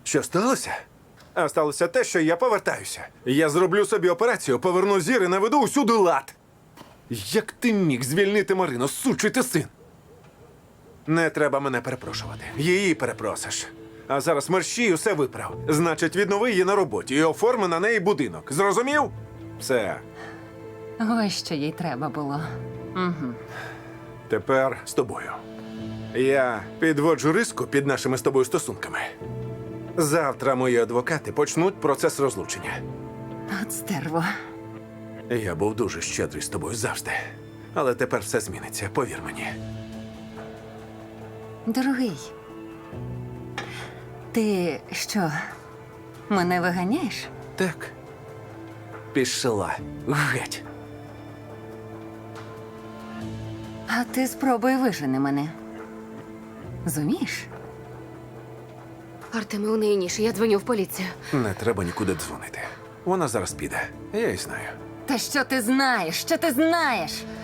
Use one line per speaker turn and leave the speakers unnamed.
Що сталося? А сталося те, що я повертаюся. Я зроблю собі операцію, поверну зір і наведу усюди лад. Як ти міг звільнити Марину, сучий ти син? Не треба мене перепрошувати. Її перепросиш. А зараз мерщій усе виправ. Значить, віднови її на роботі і оформи на неї будинок. Зрозумів? Все.
Ось що їй треба було. Угу.
Тепер з тобою. Я підводжу риску під нашими з тобою стосунками. Завтра мої адвокати почнуть процес розлучення.
От стерво.
Я був дуже щедрий з тобою завжди. Але тепер все зміниться, повір мені.
Дорогий, ти що, мене виганяєш?
Так. Пішла. Геть.
А ти спробуй вижени мене. Зумієш?
Артеме, у неї ніж. Я дзвоню в поліцію.
Не треба нікуди дзвонити. Вона зараз піде. Я й знаю.
Та що ти знаєш? Що ти знаєш?